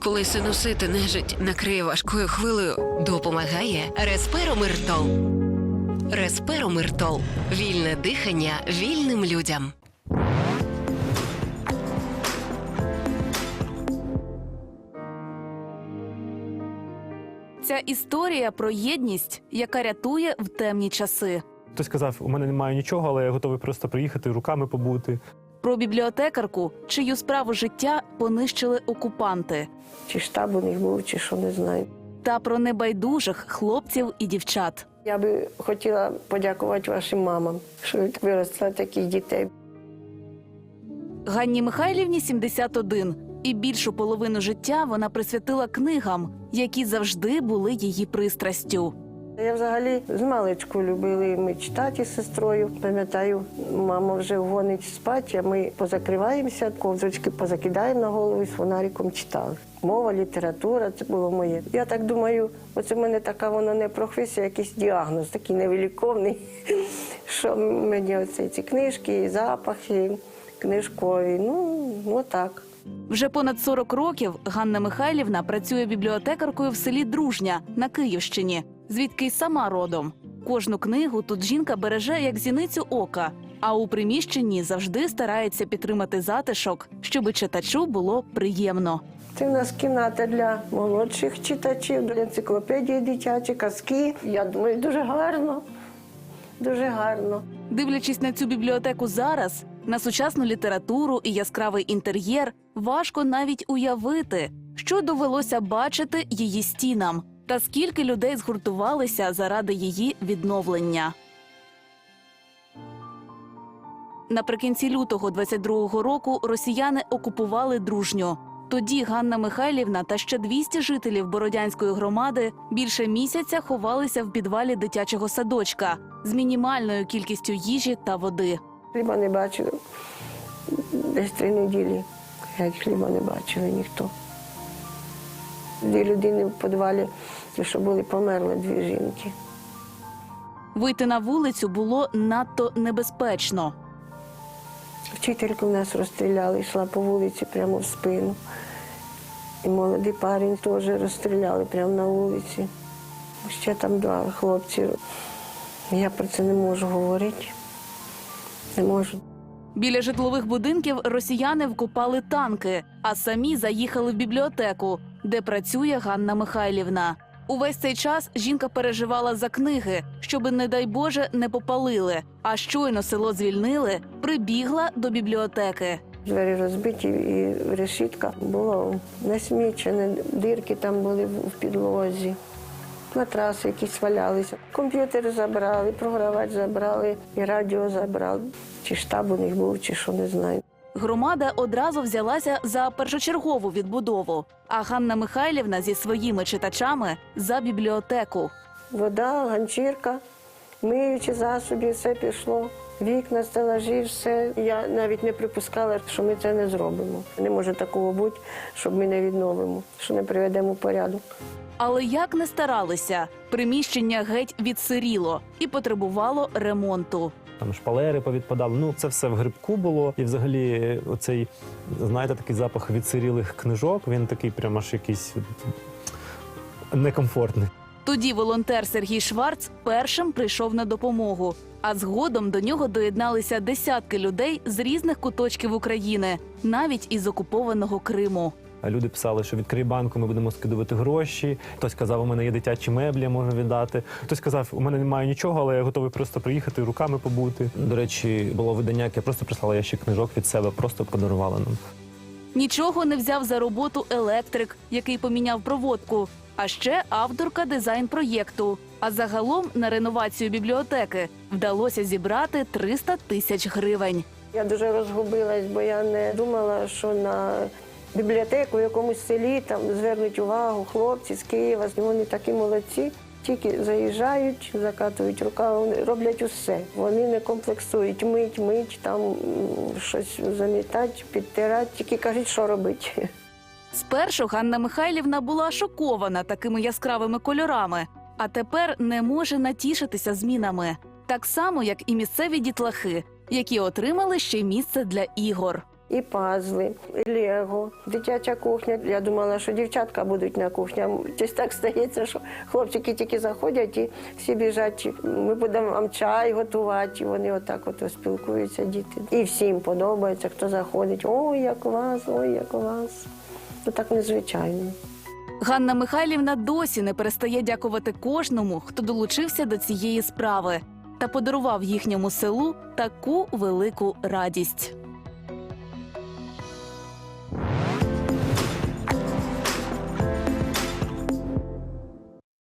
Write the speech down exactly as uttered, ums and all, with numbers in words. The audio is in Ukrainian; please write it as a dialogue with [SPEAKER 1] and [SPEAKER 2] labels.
[SPEAKER 1] Коли синусити нежить накриє важкою хвилею,
[SPEAKER 2] Допомагає Респиромиртол. Респиромиртол. Вільне дихання вільним людям.
[SPEAKER 3] Ця історія про єдність, яка рятує в темні часи.
[SPEAKER 4] Хтось сказав, у мене немає нічого, але я готовий просто приїхати, руками побути.
[SPEAKER 3] Про бібліотекарку, чию справу життя понищили окупанти.
[SPEAKER 5] Чи штаб у них був, чи що, не знаю.
[SPEAKER 3] Та про небайдужих хлопців і дівчат.
[SPEAKER 5] Я би хотіла подякувати вашим мамам, що ви виростили таких дітей.
[SPEAKER 3] Ганні Михайлівні сімдесят один. І більшу половину життя вона присвятила книгам, які завжди були її пристрастю.
[SPEAKER 5] Я взагалі з маличку любили ми читати з сестрою. Пам'ятаю, мама вже гонить спати, а ми позакриваємося, ковзочки позакидаємо на голову і з фонариком читали. Мова, література – це було моє. Я так думаю, оце в мене така воно не професія, якийсь діагноз, такий невиліковний, що мені оце ці книжки, і запахи книжкові, ну, отак.
[SPEAKER 3] Вже понад сорок років Ганна Михайлівна працює бібліотекаркою в селі Дружня на Київщині, звідки й сама родом. Кожну книгу тут жінка береже як зіницю ока, а у приміщенні завжди старається підтримати затишок, щоби читачу було приємно.
[SPEAKER 5] Це в нас кімната для молодших читачів, для енциклопедії дитячі, казки. Я думаю, дуже гарно, дуже гарно.
[SPEAKER 3] Дивлячись на цю бібліотеку зараз, на сучасну літературу і яскравий інтер'єр, важко навіть уявити, що довелося бачити її стінам, та скільки людей згуртувалися заради її відновлення. Наприкінці лютого двадцять другого року росіяни окупували Дружню. Тоді Ганна Михайлівна та ще двісті жителів Бородянської громади більше місяця ховалися в підвалі дитячого садочка з мінімальною кількістю їжі та води.
[SPEAKER 5] Хліба не бачили. Десь три неділі. Геть хліба не бачили ніхто. Дві людини в підвалі, ті, що були, померли, дві жінки.
[SPEAKER 3] Вийти на вулицю було надто небезпечно.
[SPEAKER 5] Вчительку в нас розстріляли, йшла по вулиці прямо в спину. І молодий парень теж розстріляли прямо на вулиці. Ще там два хлопці. Я про це не можу говорити. Не можу.
[SPEAKER 3] Біля житлових будинків росіяни вкопали танки, а самі заїхали в бібліотеку, де працює Ганна Михайлівна. Увесь цей час жінка переживала за книги, щоби, не дай Боже, не попалили. А щойно село звільнили, прибігла до бібліотеки.
[SPEAKER 5] Двері розбиті і решітка була насмічена, дирки там були в підлозі. Матраси якісь валялися. Комп'ютер забрали, програвач забрали, і радіо забрали. Чи штаб у них був, чи що, не знаю.
[SPEAKER 3] Громада одразу взялася за першочергову відбудову, а Ганна Михайлівна зі своїми читачами – за бібліотеку.
[SPEAKER 5] Вода, ганчірка, миючі засоби, все пішло. Вікна, стелажі, все. Я навіть не припускала, що ми це не зробимо. Не може такого бути, щоб ми не відновимо, що не приведемо в порядок.
[SPEAKER 3] Але як не старалися, приміщення геть відсиріло і потребувало ремонту.
[SPEAKER 4] Там шпалери повідпадали. Ну, це все в грибку було. І взагалі оцей, знаєте, такий запах відсирілих книжок, він такий прямо аж якийсь некомфортний.
[SPEAKER 3] Тоді волонтер Сергій Шварц першим прийшов на допомогу, а згодом до нього доєдналися десятки людей з різних куточків України, навіть із окупованого Криму.
[SPEAKER 4] Люди писали, що відкрий банку, ми будемо скидувати гроші. Хтось казав, у мене є дитячі меблі, я можу віддати. Хтось казав, у мене немає нічого, але я готовий просто приїхати, руками побути. До речі, було видання, яке просто прислала ящик книжок від себе, просто подарувала нам.
[SPEAKER 3] Нічого не взяв за роботу електрик, який поміняв проводку, а ще авторка дизайн-проєкту. А загалом на реновацію бібліотеки вдалося зібрати триста тисяч гривень.
[SPEAKER 5] Я дуже розгубилась, бо я не думала, що на бібліотеку в якомусь селі там звернуть увагу хлопці з Києва. Вони такі молодці. Тільки заїжджають, закатують рукави, вони роблять усе. Вони не комплексують, мить, мить, там щось замітати, підтирати, тільки кажуть, що робити.
[SPEAKER 3] Спершу Ганна Михайлівна була шокована такими яскравими кольорами, а тепер не може натішитися змінами. Так само, як і місцеві дітлахи, які отримали ще місце для ігор.
[SPEAKER 5] і пазли, і лего, дитяча кухня. Я думала, що дівчатка будуть на кухні. Щось так стається, що хлопчики тільки заходять і всі біжать. Ми будемо вам чай готувати. І вони отак от спілкуються, діти. І всім подобається, хто заходить. Ой, як у вас, ой, як у вас. Ну так незвичайно.
[SPEAKER 3] Ганна Михайлівна досі не перестає дякувати кожному, хто долучився до цієї справи та подарував їхньому селу таку велику радість.